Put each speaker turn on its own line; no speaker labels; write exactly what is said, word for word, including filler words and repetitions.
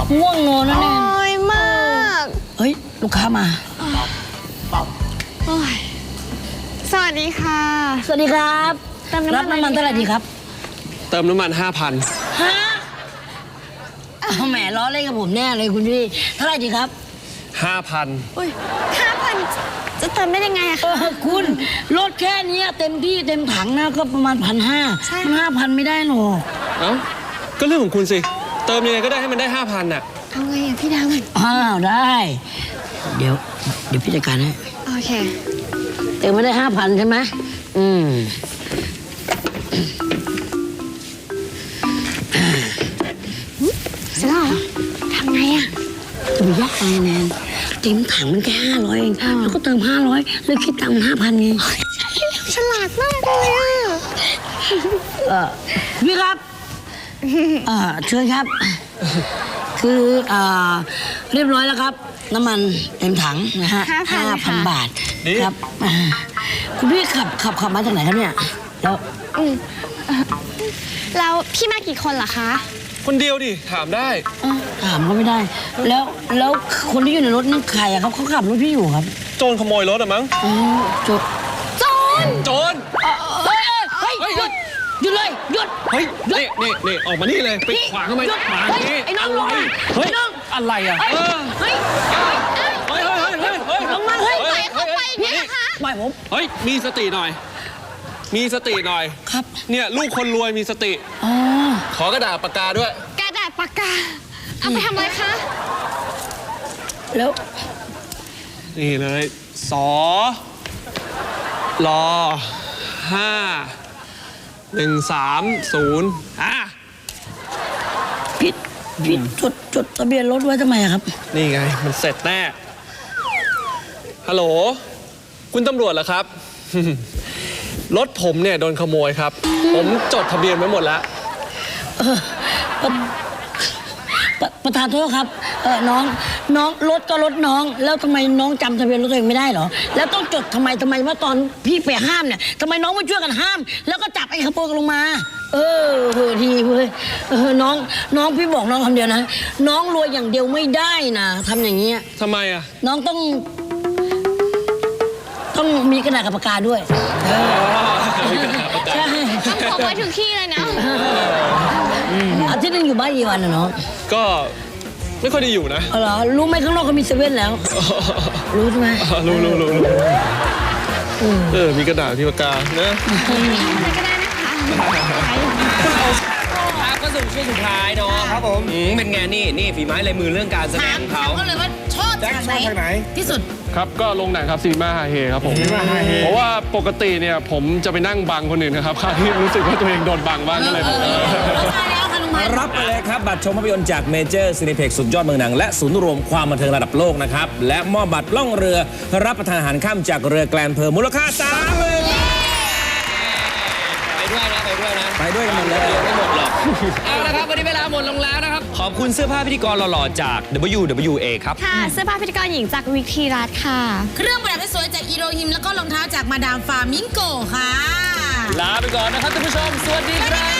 ง่วงนอนนั่นเอง
โอ้ยมาก
เฮ้ยลูกค้ามา
โอ้ยสวัสดีค่ะ
สวัสดีครับรับน้ำมันเท่าไหร่ดีครับ
เติมน้ำมันห้าพัน
ฮะเอาแหมล้อเล่นกับผมแน่เลยคุณพี่เท่าไหร่ดีครับ
ห้าพัน
อุ้ยห้าพันจะเติมได้ยังไงอะ
เอ
คะ
อคุณรถแค่นี้เต็มที่เต็มถังนะก็ประมาณพันห้า
ใช่
มันห้าพันไม่ได้หรอก
เอ้าก็เรื่องของคุณสิเติมยังไงก็ได้ให้มันได้ห้าพันน่ะ
เอาไงอะพี่ดาว
อ้าวได้ เดี๋ยว เดี๋ยวพี่จัดการให้
โอเค
เติมไม่ได้ห้าพันใช่ไหมอืม
เสร็จแล้วเหรอทำไงอะ
จะไปยากอะไรแนนเต็มถังมันแค่ห้าร้อยเองแล้วก็เติมห้าร้อยแล้วคิดตังค์มันห้าพันไง
ฉลาดมากเลยอะ
เออพี่ครับเออเชิญครับ คืออ่าเรียบร้อยแล้วครับ น้ำมันเต็มถังนะฮะห้าพันบาทครับอ่าคุณพี่ขับขับขับมาจากไหนครับเนี่ยแล้ว
อืมแล้วพี่มากี่คนเหรอคะ
คนเดียวดิถามได้
เอ้าถามก็ไม่ได้ แล้วแล้วคนที่อยู่ในรถนั่นใครอะครับเขาขับรถพี่อยู่ครับ
โจรขโมยรถอะมั้ง
อ๋อจด
โจร
โจร
เฮ้ยเฮ้ยหยุดหยุดเลยหยุด
เฮ้ยนี่นี่นี่ออกมานี่เลยไปขวางทำไม
หยุด
ขวาง
เฮ้ย
นี่
ไอ้น้องลงมา
เฮ้ย
ไอ้น้อง
อะไรอะ
เฮ้ย
เออ
เฮ้ย
เฮ้ยเฮ้ยเฮ้ยเฮ้ยเฮ้ย
ลงมาเฮ้ย
ปล่อยเขาไปอย่างนี้นะคะ
ปล่อยผม
เฮ้ยมีสติหน่อย มีสติหน่อย
ครับ
เนี่ยลูกคนรวยมีสติ
อ๋อ
ขอกระดาษปากกาด้วย
กระดาษปากกา เอาไปทำอะไรคะ
แล้ว
นี่เลยสอรอห้าหนึ่งสามศูนย์อ่ะ
ผิดผิดจดจดทะเบียนรถไว้ทำไมอะครับ
นี่ไง มันเสร็จแน่ ฮัลโหล คุณตำรวจเหรอครับ รถผมเนี่ยโดนขโมยครับ ผมจดทะเบียนไว้หมดแล้ว
เออเอ่อปะประธานโทษครับเออน้องน้องรถก็รถน้อง แล้วทำไมน้องจำทะเบียนรถตัวเองไม่ได้เหรอแล้วต้องจดทำไมทำไมว่าตอนพี่ไปห้ามเนี่ยทำไมน้องไม่ช่วยกันห้าม แล้วก็จับไอ้ขโมยลงมา เออเออดีเว้ยเออน้องน้องพี่บอกน้องคำเดียวนะน้องรวยอย่างเดียวไม่ได้นะทำอย่างเงี้ย
ทำไมอ่ะ
น้องต้อง ต้องมีกระดาษกับปากกาด้วยเออใช่
ต้องพกไว้ทุกที่เลยนะ
อาทิตย์หนึงอยู่บ้านกี่วันนะน้อง
ก็ไม่ค่อยได้อยู่นะ
เอาเหรอรู้ไหมข้างนอกเขามีเซเว่นแล้ว รู้ใช่ไหม
รู้รู้รู้รู้เออ มีกระดาษมีปากกานะ
อะไรก็ได้นะคะ
ครับก็สู่ช่วงสุดท้ายเนาะครับผมเป็นไงนี่นี่ฝีไม้ลายมือเรื่องการแสดงของเขา
ก็เลยว่าชอบฉากไหนที่สุด
ครับ ก็ลงหนังครับซีนีมาฮาเฮครับผมเพราะว่าปกติเนี่ยผมจะไปนั่งบังคนอื่นนะครับคราวนี้รู้สึกว่าตัวเองโดนบังบ้างก็เลย
ใช่แล้วค่ะลุงพัน
รับไปเลยครับ บัตรชมภาพยนตร์จากเมเจอร์ซีนิเพ็กสุดยอดเมืองหนัง และศูนย์รวมความบันเทิงระดับโลกนะครับ และมอบบัตรล่องเรือ รับประทานอาหารค่ำจากเรือแกลนเพอร์มูลค่าสามหมื่นไปด้วยนะ ไปด้วยนะ ไปด้วยกันหมดเลยไม่หมดหรอกเอาละครับวันนี้เวลาหมดลงแล้วนะครับ ขอบคุณเสื้อผ้าพิธีกรหล่อๆจาก ดับเบิลยู ดับเบิลยู เอ ครับ
ค่ะ เสื้อผ้าพิธีกรหญิงจากวิกทีรัตน์ค่ะ
เครื่องประดับสวยจากอีโรฮิมแล้วก็รองเท้าจากมาดามฟามิงโกค่ะ
ลาไปก่อนนะครับท่านผู้ชม สวัสดีครับ